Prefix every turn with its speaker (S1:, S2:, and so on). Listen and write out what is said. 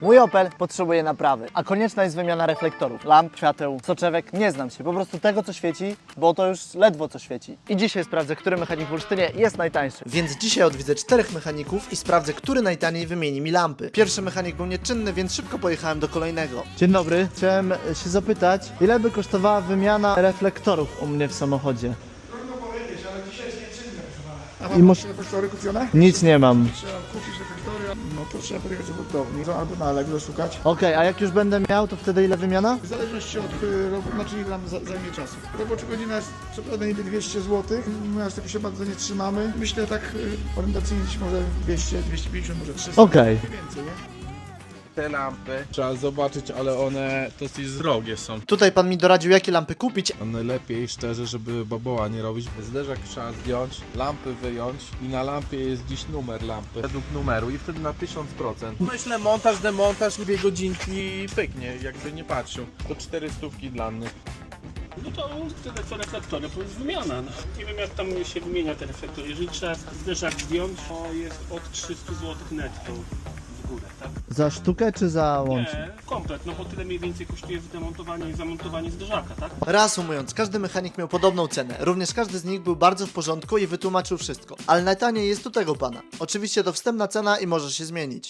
S1: Mój Opel potrzebuje naprawy, a konieczna jest wymiana reflektorów, lamp, świateł, soczewek. Nie znam się, po prostu tego co świeci, bo to już ledwo co świeci. I dzisiaj sprawdzę, który mechanik w Olsztynie jest najtańszy.
S2: Więc dzisiaj odwiedzę 4 mechaników i sprawdzę, który najtaniej wymieni mi lampy. Pierwszy mechanik był nieczynny, więc szybko pojechałem do kolejnego.
S1: Dzień dobry, chciałem się zapytać, ile by kosztowała wymiana reflektorów u mnie w samochodzie?
S3: A
S1: I
S3: masz reflektory kupione?
S1: Nic nie mam.
S3: Trzeba kupić reflektory, no to trzeba podjechać do hurtowni, albo na Allegro szukać.
S1: Okej, a jak już będę miał, to wtedy ile wymiana?
S3: W zależności od znaczy ile nam zajmie czasu. Robocza godzina jest co prawda niby 200 zł, my aż tego się bardzo nie trzymamy. Myślę tak orientacyjnie gdzieś może 200, 250, może 300.
S1: Okej.
S3: Więcej, nie?
S4: Te lampy trzeba zobaczyć, ale one dosyć drogie są.
S2: Tutaj pan mi doradził, jakie lampy kupić.
S4: A najlepiej szczerze, żeby baboła nie robić. Zderzak trzeba zdjąć, lampy wyjąć i na lampie jest dziś numer lampy według numeru i wtedy na 1000%. Myślę montaż, demontaż, 2 godzinki pyknie, jakby nie patrzył. To 400 dla mnie.
S5: No to tyle co reflektory, to jest wymiana. No. Nie wiem jak tam się wymienia te reflektory. Jeżeli trzeba zderzak zdjąć, to jest od 300 zł netto w górę, tak?
S1: Za sztukę czy za łącznie?
S5: Nie, komplet, no bo tyle mniej więcej kosztuje zdemontowanie i zamontowanie zderzaka, tak?
S2: Reasumując, każdy mechanik miał podobną cenę. Również każdy z nich był bardzo w porządku i wytłumaczył wszystko. Ale najtaniej jest u tego pana. Oczywiście to wstępna cena i może się zmienić.